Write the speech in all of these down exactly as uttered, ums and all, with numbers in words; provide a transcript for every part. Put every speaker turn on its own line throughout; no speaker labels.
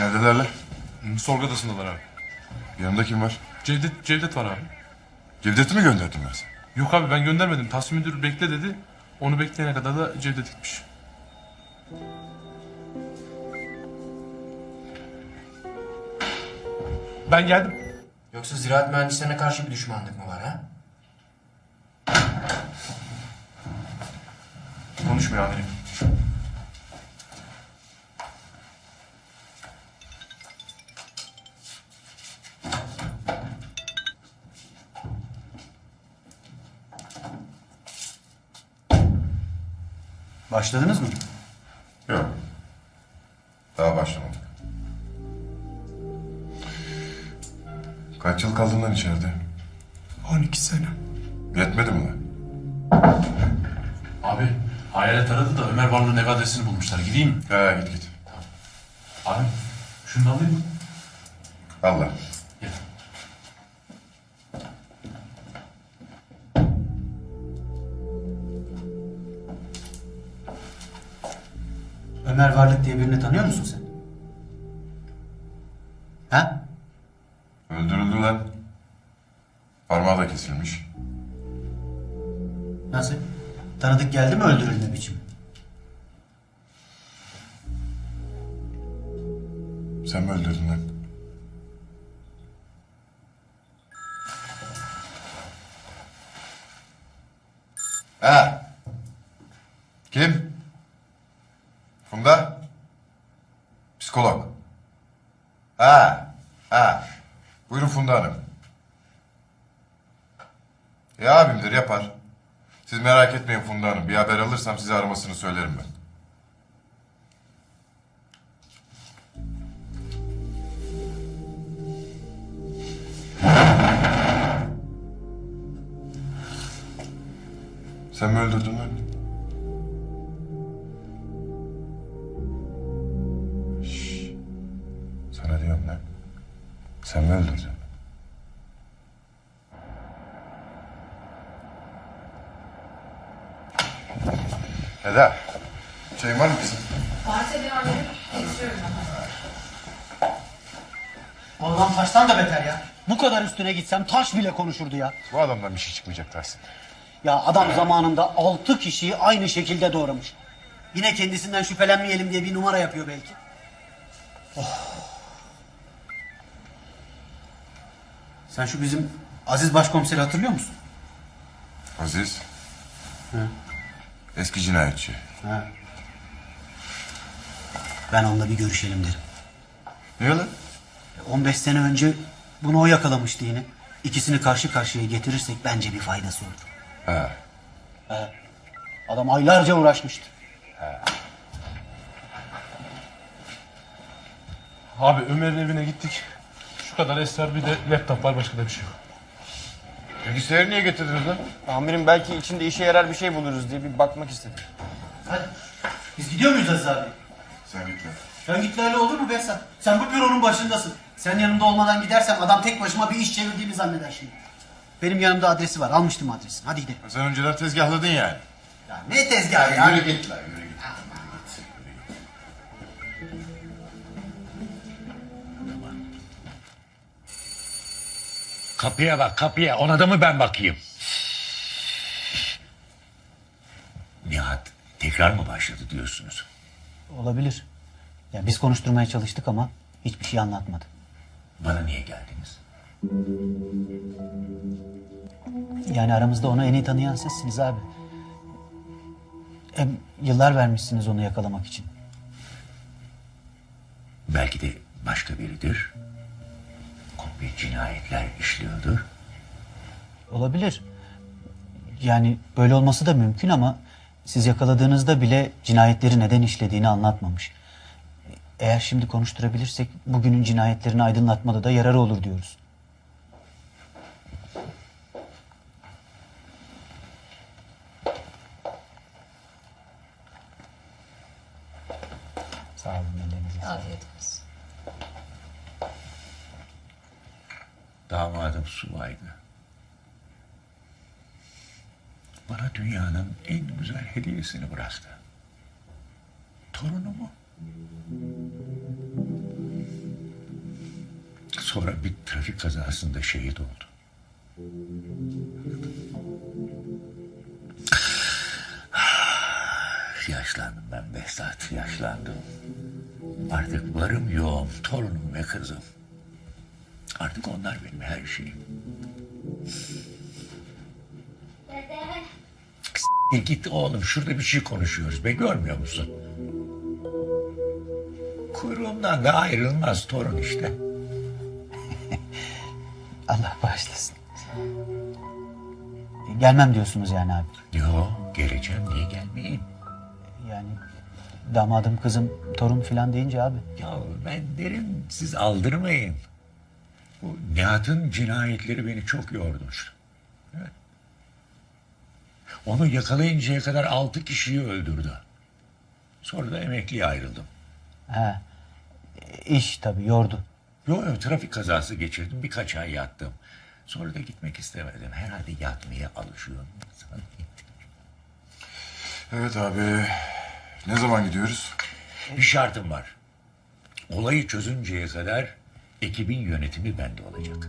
Neredeler lan?
Hı, sorgu odasındalar abi.
Yanında kim var?
Cevdet, Cevdet var abi.
Cevdet'i mi gönderdin ben sana?
Yok abi ben göndermedim. Tahsin müdür bekle dedi. Onu bekleyene kadar da Cevdet gitmiş. Ben geldim.
Yoksa ziraat mühendislerine karşı bir düşmanlık mı var ha?
Konuşmuyor amirim.
Başladınız mı?
Yok. Daha başlamadık. Kaç yıl kaldın lan içeride?
on iki sene.
Yetmedi mi lan?
Abi hayalet aradı da Ömer Varlı'nın ev adresini bulmuşlar. Gideyim mi?
He git git.
Abi şunu da alayım mı?
Allah.
Gel.
Ömer Varlık diye birini tanıyor musun sen? Ha?
Öldürüldü lan. Parmağı da kesilmiş.
Nasıl? Tanıdık geldi mi öldürülme biçimi?
Sen mi öldürdün lan? Ha? Kim? Funda? Psikolog. Ha? Ha? Buyurun Funda Hanım. Ya abimdir yapar. Siz merak etmeyin Funda Hanım. Bir haber alırsam size aramasını söylerim ben. Sen mi öldürdün lan? Şşş. Sana diyorum lan. Sen mi öldürdün? Eda. Şeyin var mı kızım?
Varsa bir amirim geçiyorum ben.
Bu adam taştan da beter ya. Bu kadar üstüne gitsem taş bile konuşurdu ya.
Bu adamdan bir şey çıkmayacak Tahsin.
Ya adam zamanında altı kişiyi aynı şekilde doğramış. Yine kendisinden şüphelenmeyelim diye bir numara yapıyor belki. Oh. Sen şu bizim Aziz Başkomiseri hatırlıyor musun?
Aziz. Eski cinayetçi.
Ha. Ben onunla bir görüşelim derim.
Niye lan?
on beş sene önce bunu o yakalamıştı yine. İkisini karşı karşıya getirirsek bence bir faydası olur.
Ha.
He. Adam aylarca uğraşmıştı.
Abi Ömer'in evine gittik. Şu kadar esrar bir de laptop var, başka da bir şey yok.
Bilgisayarı niye getirdiniz lan?
Amirim belki içinde işe yarar bir şey buluruz diye bir bakmak istedim.
Hadi. Biz gidiyor muyuz Aziz abi?
Sen git lan.
Sen git öyle olur mu Behzat? Sen bu büronun başındasın. Sen yanımda olmadan gidersem adam tek başıma bir iş çevirdiğimi zanneder şimdi. Benim yanımda adresi var. Almıştım adresini. Hadi gidelim.
Sen önceden tezgahladın yani.
Ya ne tezgahı ya?
Yürü git lan yürü git.
Kapıya bak kapıya, ona da mı ben bakayım? Nihat tekrar mı başladı diyorsunuz?
Olabilir. Ya biz konuşturmaya çalıştık ama hiçbir şey anlatmadı.
Bana niye geldiniz?
Yani aramızda onu en iyi tanıyan sizsiniz abi. Hem yıllar vermişsiniz onu yakalamak için.
Belki de başka biridir. Komple cinayetler işliyordur.
Olabilir. Yani böyle olması da mümkün ama siz yakaladığınızda bile cinayetleri neden işlediğini anlatmamış. Eğer şimdi konuşturabilirsek bugünün cinayetlerini aydınlatmada da yararı olur diyoruz. Sağ olun. ellerinize sağlık.
Afiyet olsun.
Damadım subaydı. Bana dünyanın en güzel hediyesini bıraktı. Torunumu. Sonra bir trafik kazasında şehit oldu. Yaşlandım ben Behzat, yaşlandım. Artık varım yoğum, torunum ve kızım. Artık onlar benim her şeyim. E git oğlum, şurada bir şey konuşuyoruz be, görmüyor musun? Kuyruğumdan da ayrılmaz torun işte.
Allah bağışlasın. Gelmem diyorsunuz yani abi.
Yo, geleceğim, niye gelmeyeyim?
Yani damadım, kızım, torun falan deyince abi.
Ya ben derim, siz aldırmayın. Bu Nihat'ın cinayetleri beni çok yordu. Evet. Onu yakalayıncaya kadar altı kişiyi öldürdü. Sonra da emekliye ayrıldım.
He. İş tabii yordu.
Yo, yo, trafik kazası geçirdim, birkaç ay yattım. Sonra da gitmek istemedim. Herhalde yatmaya alışıyorum.
Evet abi. Ne zaman gidiyoruz?
Bir şartım var. Olayı çözünceye kadar ekibin yönetimi bende olacak.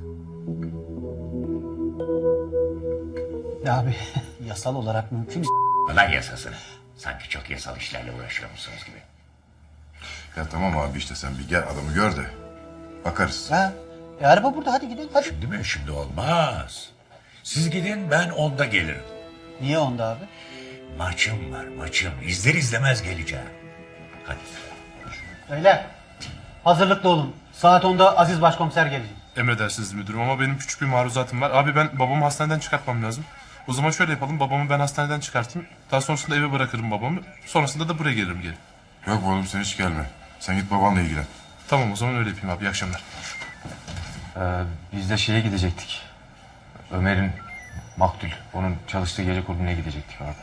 Abi yasal olarak mümkün mü?
Lan yasasını. Sanki çok yasal işlerle uğraşıyormuşsunuz gibi.
Ya tamam abi işte sen bir gel adamı gör de. Bakarız.
Ha? E, araba burada, hadi gidelim hadi.
Şimdi mi? Şimdi olmaz. Siz gidin, ben onda gelirim.
Niye onda abi?
Maçım var, maçım. İzler izlemez geleceğim. Hadi.
Öyle. Hazırlıklı olun. Saat onda Aziz Başkomiser gelecek.
Emredersiniz müdürüm ama benim küçük bir maruzatım var. Abi ben babamı hastaneden çıkartmam lazım. O zaman şöyle yapalım, babamı ben hastaneden çıkartayım. Daha sonrasında eve bırakırım babamı. Sonrasında da buraya gelirim geri.
Yok oğlum sen hiç gelme. Sen git babanla ilgilen.
Tamam o zaman öyle yapayım abi, iyi akşamlar.
Ee, biz de şeye gidecektik. Ömer'in maktul. Onun çalıştığı gece kulübüne gidecektik abi.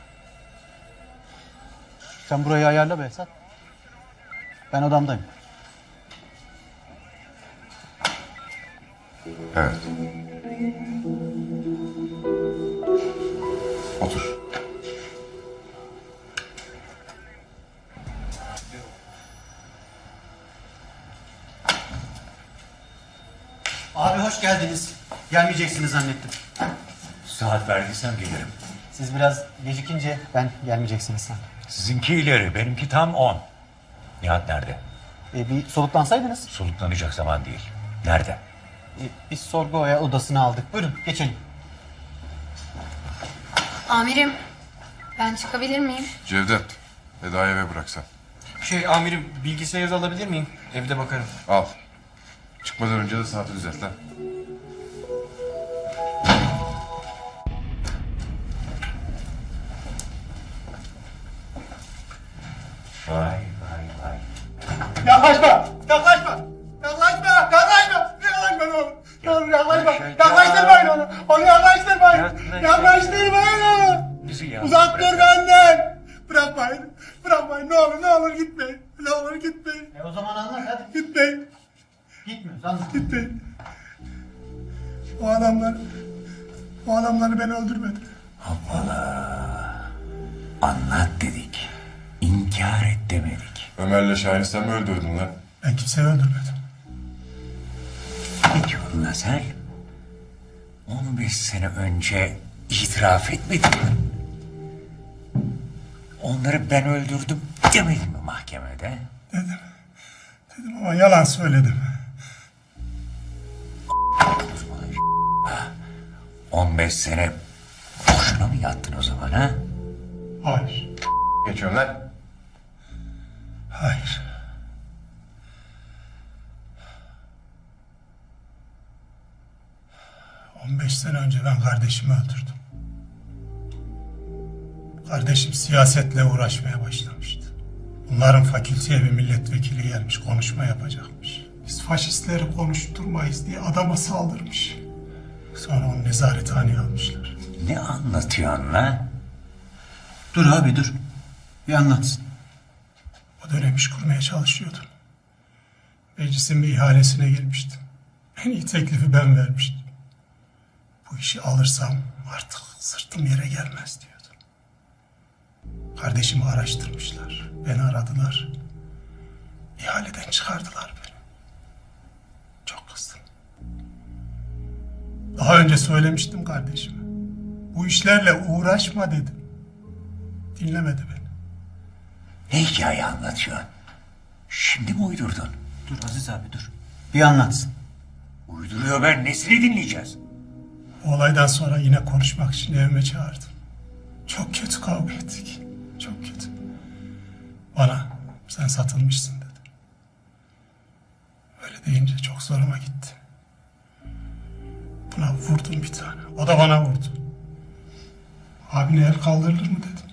Sen burayı ayarla Behzat. Ben odamdayım.
Evet. Otur.
Abi hoş geldiniz. Gelmeyeceksiniz zannettim.
Saat verdiysem gelirim.
Siz biraz gecikince ben gelmeyeceksiniz sandım.
Sizinki ileri, benimki tam on. Nihat nerede?
E, bir soluklansaydınız.
Soluklanacak zaman değil. Nerede?
E, biz sorgu oya odasını aldık. Buyurun geçelim.
Amirim, ben çıkabilir miyim?
Cevdet. Eda'yı eve bıraksan.
Şey amirim, bilgisayarınızı alabilir miyim? Evde bakarım.
Al. Çıkmadan önce de saati düzelt lan.
Vay vay vay.
Yaklaşma! Yaklaşma! Yaklaşma! Yaklaşma! Yaklaşma ne olur! Ne olur yaklaşma! Yaklaştırmayın onu! Onu yaklaştırmayın! Yaklaştırmayın onu!
Bizi yalnız
Uzak dur
bırakın.
benden! Bırakmayın! Bırakmayın! Ne olur ne olur gitmeyin! Ne olur gitmeyin!
E, o zaman anlat hadi.
Gitmeyin!
Gitmiyoruz anlat.
Gitmeyin! O adamlar... O adamları ben öldürmedim.
Anlat dedik. İnkar et demedik.
Ömer'le Şahin'i sen mi öldürdün lan?
Ben kimseyi öldürmedim.
Ne diyorsun lan sen? on beş sene önce itiraf etmedin mi? Onları ben öldürdüm demedin mi mahkemede?
Dedim. Dedim ama yalan söyledim.
on beş sene boşuna mı yattın o zaman ha?
Hayır.
Geçiyorum lan.
Hayır. On beş sene önce ben kardeşimi öldürdüm. Kardeşim siyasetle uğraşmaya başlamıştı. Bunların fakülteye bir milletvekili gelmiş, konuşma yapacakmış. Biz faşistleri konuşturmayız diye adama saldırmış. Sonra onu nezarethaneye almışlar.
Ne anlatıyorsun lan?
Dur abi dur. Bir anlatsın.
O dönem iş kurmaya çalışıyordum. Meclisin bir ihalesine girmiştim. En iyi teklifi ben vermiştim. Bu işi alırsam artık sırtım yere gelmez diyordum. Kardeşimi araştırmışlar. Beni aradılar. İhaleden çıkardılar beni. Çok kızdım. Daha önce söylemiştim kardeşime. Bu işlerle uğraşma dedim. Dinlemedi beni.
Ne hikaye anlatıyorsun? Şimdi mi uydurdun?
Dur Aziz abi dur. Bir anlatsın.
Uyduruyor, ben nesini dinleyeceğiz?
Olaydan sonra yine konuşmak için evime çağırdım. Çok kötü kavga ettik. Çok kötü. Bana sen satılmışsın dedi. Öyle deyince çok zoruma gitti. Buna vurdum bir tane. O da bana vurdu. Abine el kaldırılır mı dedim.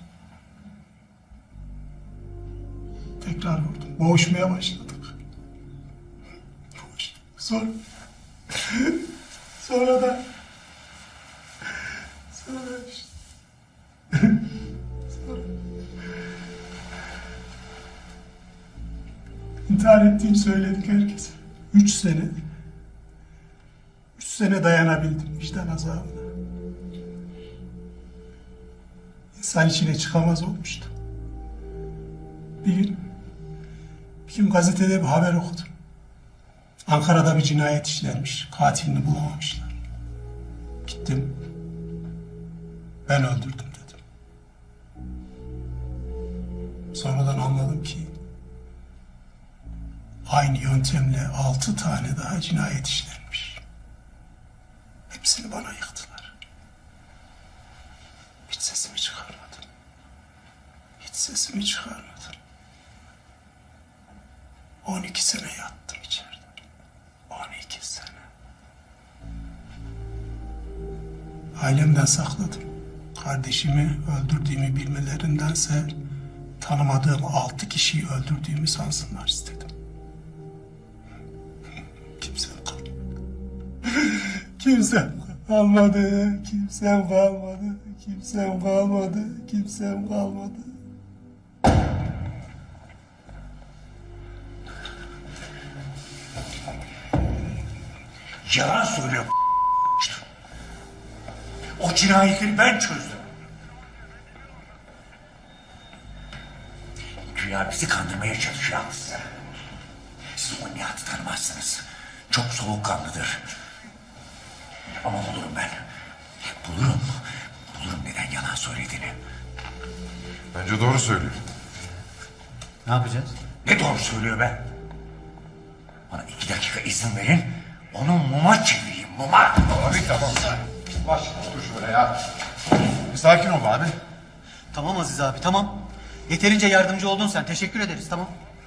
Tekrar vurdum. Boğuşmaya başladık. Boğuştuk. Sonra... sonra da... Sonra işte... sonra... İntihar ettiğimi söyledik herkese. Üç sene... Üç sene dayanabildim vicdan azabına. İnsan içine çıkamaz olmuştu. Bir gün, bir gün gazetede bir haber okudum. Ankara'da bir cinayet işlenmiş. Katilini bulamamışlar. Gittim. Ben öldürdüm dedim. Sonradan anladım ki aynı yöntemle altı tane daha cinayet işlenmiş. Hepsini bana yıktılar. Hiç sesimi çıkarmadım. Hiç sesimi çıkarmadım. On iki sene yattım içeride. On iki sene. Ailemden sakladım. Kardeşimi öldürdüğümü bilmelerindense tanımadığım altı kişiyi öldürdüğümü sansınlar istedim. Kimsem kalmadı. Kimsem kalmadı. Kimsem kalmadı. Kimsem kalmadı. Kimsem kalmadı.
Yalan söylüyor. O cinayetleri ben çözdüm. Güya bizi kandırmaya çalışıyor aslında. Siz o Nihat'ı tanımazsınız. Çok soğukkanlıdır. Ama bulurum ben. Bulurum. Bulurum neden yalan söylediğini.
Bence doğru söylüyor.
Ne yapacağız?
Ne doğru söylüyor be? Bana iki dakika izin verin. Onu muma çevireyim, muma.
Abi tamam. Baş dur şöyle ya. Bir sakin ol abi.
Tamam Aziz abi tamam. Yeterince yardımcı oldun sen. Teşekkür ederiz tamam.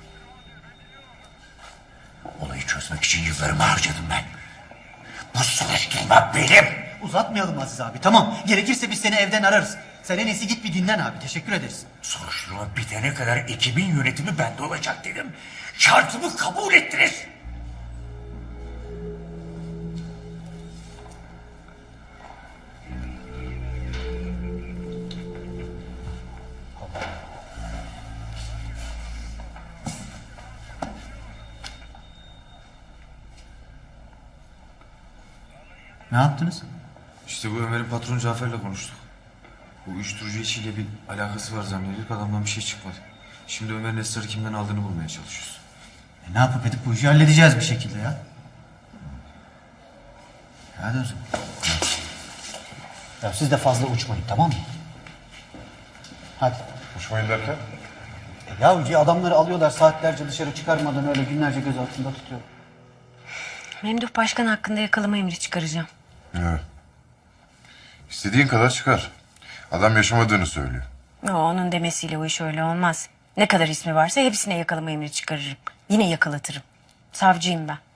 Olayı çözmek için yıllarımı harcadım ben. Bu soruşturma benim.
Uzatmayalım Aziz abi tamam. Gerekirse biz seni evden ararız. Sen en iyisi git bir dinlen abi. Teşekkür ederiz.
Soruşturma bitene kadar ekibin yönetimi bende olacak dedim. Şartımı kabul ettiniz.
Ne yaptınız?
İşte bu Ömer'in patronu Cafer'le konuştuk. Bu uyuşturucu işiyle bir alakası var zannediyorduk. Adamdan bir şey çıkmadı. Şimdi Ömer'in esrarı kimden aldığını bulmaya çalışıyoruz.
E, ne yapıp edip bu işi halledeceğiz bir şekilde ya. Hadi o zaman. Ya siz de fazla uçmayın tamam mı? Hadi.
Uçmayın derken?
E, ya adamları alıyorlar saatlerce dışarı çıkarmadan öyle günlerce göz altında tutuyor.
Memduh Başkan hakkında yakalama emri çıkaracağım.
Evet. İstediğin kadar çıkar. Adam yaşamadığını söylüyor.
O, onun demesiyle o iş öyle olmaz. Ne kadar ismi varsa hepsine yakalama emri çıkarırım. Yine yakalatırım. Savcıyım ben.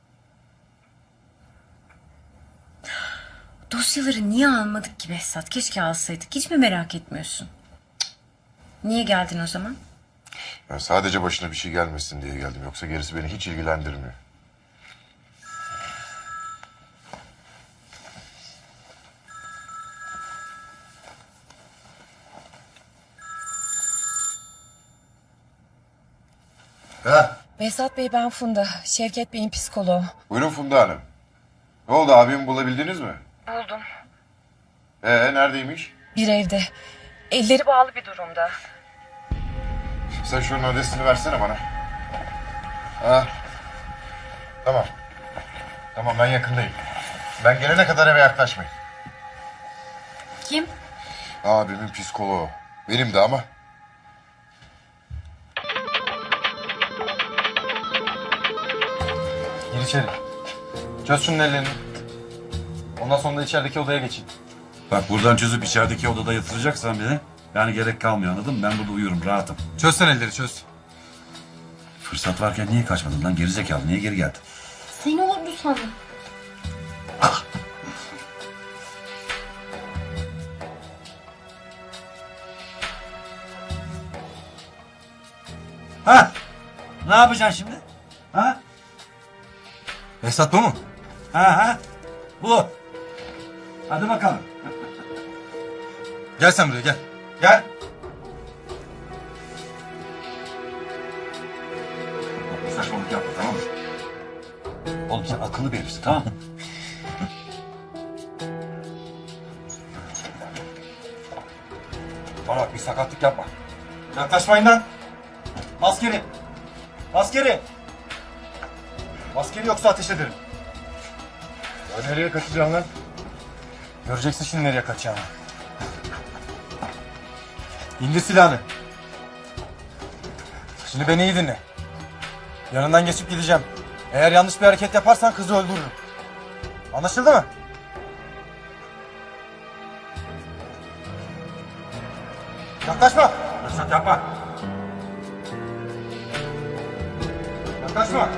Dosyaları niye almadık ki Behzat? Keşke alsaydık. Hiç mi merak etmiyorsun? Cık. Niye geldin o zaman?
Ben sadece başına bir şey gelmesin diye geldim. Yoksa gerisi beni hiç ilgilendirmiyor. Ha,
Behzat Bey ben Funda. Şevket Bey'in psikoloğu.
buyurun Funda Hanım. Ne oldu, abimi bulabildiniz mi?
Buldum.
Ee, neredeymiş?
Bir evde. Elleri bağlı bir durumda.
Sen şunun adresini versene bana. Ha. Tamam. Tamam, ben yakındayım. Ben gelene kadar eve yaklaşmayın.
Kim?
Abimin psikoloğu. Benim de ama.
Gir içeri. Çöz şunun ellerini. Ondan sonra da içerideki odaya geçin.
Bak buradan çözüp içerideki odada yatıracaksan beni, yani gerek kalmıyor, anladın mı? Ben burada uyurum, rahatım.
Çöz sen elleri çöz.
Fırsat varken niye kaçmadın lan gerizekalı? Niye geri geldin?
Seni oldu sandım.
Ha? Ne yapacaksın şimdi? Ha?
Esat bu mu?
Ha ha? Bu. Hadi bakalım.
Gel sen buraya gel.
Gel. Saçmalık yapma, tamam mı? Oğlum sen akıllı bir herifsin, tamam mı?
Bana bak bir sakatlık yapma. Yaklaşmayın lan. Maskeli. Maskeli. Maskeli yoksa ateş ederim.
Ya nereye kaçacaksın lan?
Göreceksin şimdi nereye kaçacağını. İndir silahını. Şimdi beni iyi dinle. Yanından geçip gideceğim. Eğer yanlış bir hareket yaparsan kızı öldürürüm. Anlaşıldı mı? Yaklaşma.
Fırsat yapma.
Yaklaşma.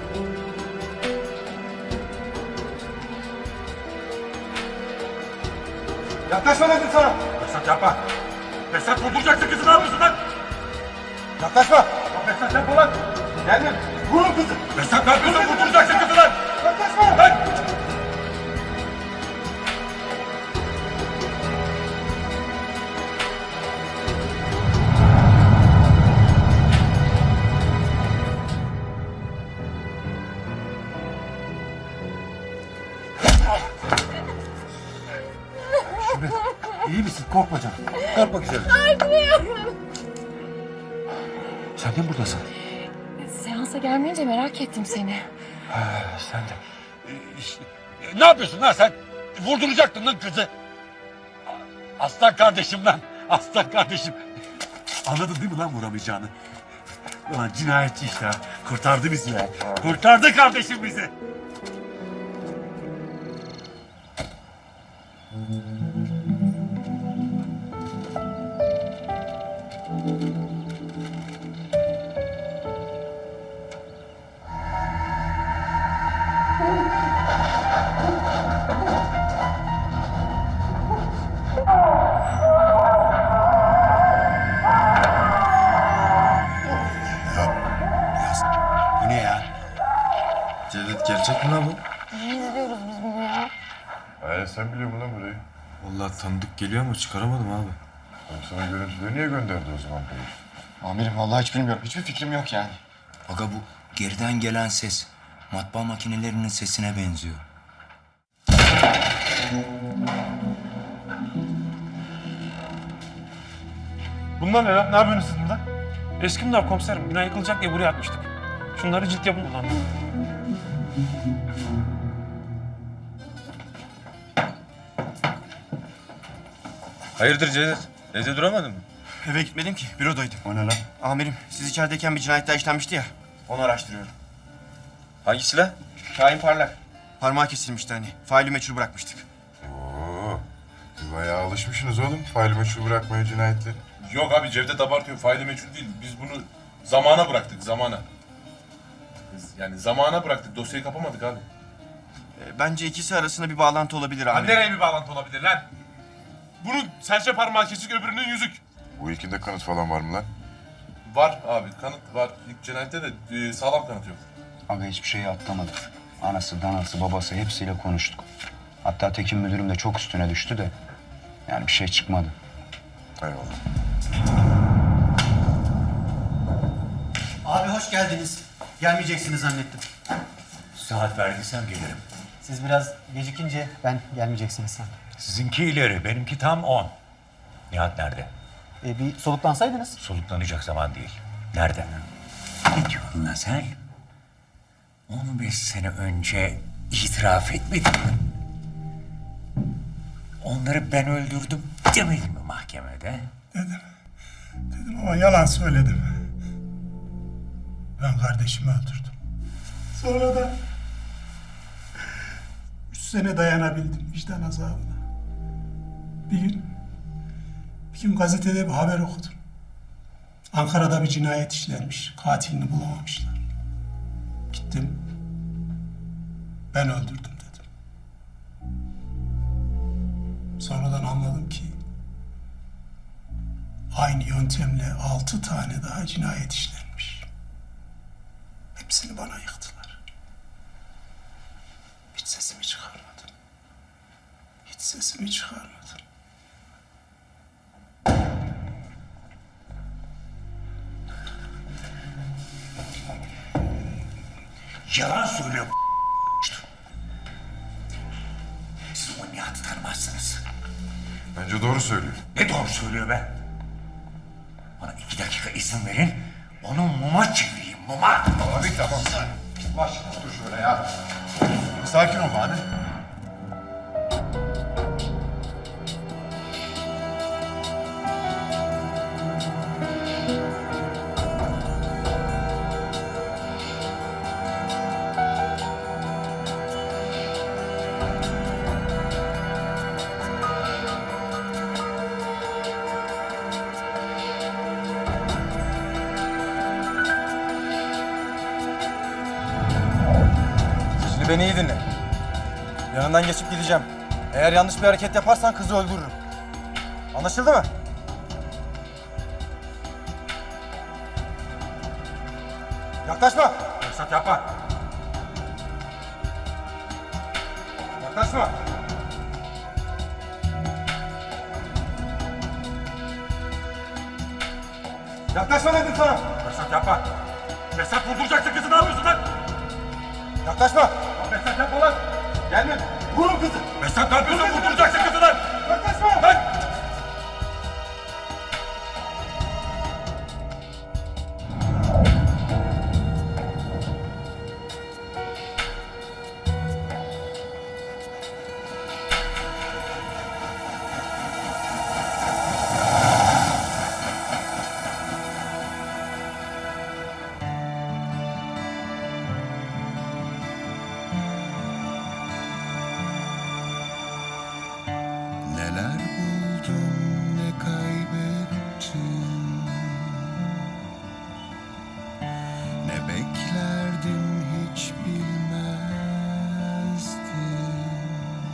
Yaklaşma dedim sana.
Fırsat yapma. Fırsat vurduracaksın kızı, ne yapıyorsun lan?
Yaklaşma.
Fırsat yapma lan.
Gelme. Vurun kızı.
Fırsat ne yapıyorsun? Vurduracaksın kızı lan.
Yaklaşma.
Lan.
İyi misin? Korkma canım. Korkma güzelim. Sen de mi buradasın?
Seansa gelmeyince merak ettim seni.
Sen de.
Ne yapıyorsun lan sen? Vurduracaktın lan kızı. Aslan kardeşim lan. Aslan kardeşim. Anladın değil mi lan vuramayacağını? Ulan cinayetçi işte ha. Kurtardı bizi ya. Kurtardı kardeşim bizi. Bu ne ya?
Cevdet gerçek mi lan bu?
Niye izliyoruz biz bunu ya?
Ee, sen biliyor musun lan burayı?
Vallahi tanıdık geliyor ama çıkaramadım abi.
Oğlum sana görüntüleri niye gönderdi o zaman bu?
Amirim vallahi hiç bilmiyorum. Hiçbir fikrim yok yani.
Aga bu geriden gelen ses matbaa makinelerinin sesine benziyor.
Bunlar ne lan? Ne yapıyorsunuz siz burada? Eskimdar komiserim. Bina yıkılacak diye buraya atmıştık. Şunları cilt yapın ulan.
Hayırdır Cevdet? Evde duramadın mı?
Eve gitmedim ki. Bürodaydım.
O ne lan?
Amirim siz içerideyken bir cinayet daha işlenmişti ya. Onu araştırıyorum.
Hangi silah?
Şahin Parlak. Parmağı kesilmişti hani. Faili meçhul bırakmıştık.
Oo, siz bayağı alışmışsınız oğlum. Faili meçhul bırakmaya cinayetleri.
Yok abi Cevdet abartıyor. Faili meçhul değil. Biz bunu zamana bıraktık. Zamana. Biz yani zamana bıraktık. Dosyayı kapamadık abi.
E, bence ikisi arasında bir bağlantı olabilir
Ha,
amirim.
nereye bir bağlantı olabilir lan? Bunun serçe parmağı kesik, öbürünün yüzük.
Bu ilkinde kanıt falan var mı lan?
Var abi, kanıt var. İlk cinayette de e, sağlam kanıt yok.
Aga hiçbir şeyi atlamadık. Anası, danası, babası hepsiyle konuştuk. Hatta Tekin müdürüm de çok üstüne düştü de. Yani bir şey çıkmadı.
Eyvallah.
Abi hoş geldiniz. Gelmeyeceksiniz zannettim.
Saat verdiysem gelirim.
Siz biraz gecikince ben gelmeyeceksiniz sandım.
Sizinki ileri, benimki tam on. Nihat nerede?
E, bir soluklansaydınız.
Soluklanacak zaman değil. Nerede? Ne diyorsun lan sen? on beş sene önce itiraf etmedin mi? onları ben öldürdüm demedin mi mahkemede?
Dedim. Dedim ama yalan söyledim. Ben kardeşimi öldürdüm. Sonra da üç sene dayanabildim vicdan azabına. Bir gün, bir gün gazetede bir haber okudum. Ankara'da bir cinayet işlenmiş. Katilini bulamamışlar. Gittim. Ben öldürdüm dedim. Sonradan anladım ki aynı yöntemle altı tane daha cinayet işlenmiş. Hepsini bana yıktılar. Hiç sesimi çıkarmadım. Hiç sesimi çıkarmadım.
Yalan söylüyor. Siz o Nihat'ı tanımazsınız.
Bence doğru söylüyor.
Ne doğru söylüyor be? Bana iki dakika izin verin. Onu muma çevireyim, muma.
Abi tamam. Başla dur şöyle ya. Sakin ol abi.
Şimdi beni iyi dinle. Yanından geçip gideceğim. Eğer yanlış bir hareket yaparsan kızı öldürürüm. Anlaşıldı mı? Yaklaşma. Fırsat yapma. Yaklaşma. Yaklaşma dedim sana.
Fesat yapma. Fesat vurduracaksın kızı, ne yapıyorsun lan?
Yaklaşma.
Fesat yapma lan.
Gelme. Vurun kızı.
Fesat ne yapıyorsun? Vurduracaksın kızı lan.
Yaklaşma.
Lan.
Neler buldum, ne kaybettim, ne beklerdim hiç bilmezdim.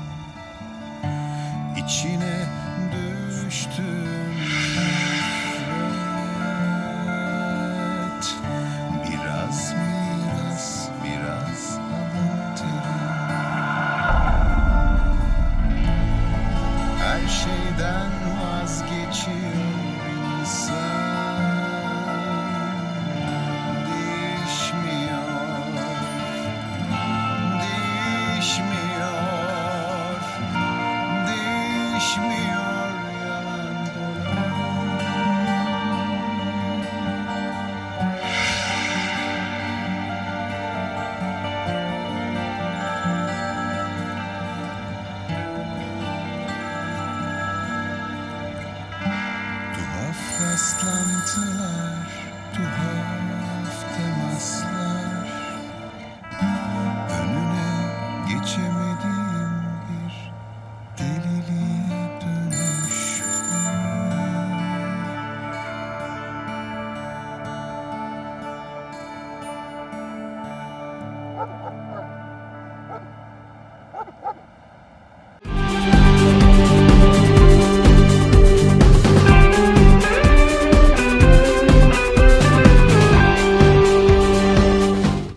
İçine düştüm nefret, biraz miras, biraz alın teri. Her şeyden vazgeçiyor insan, değişmiyor, değişmiyor, değişmiyor yalan Tuhaf rastlantılar, tuhaf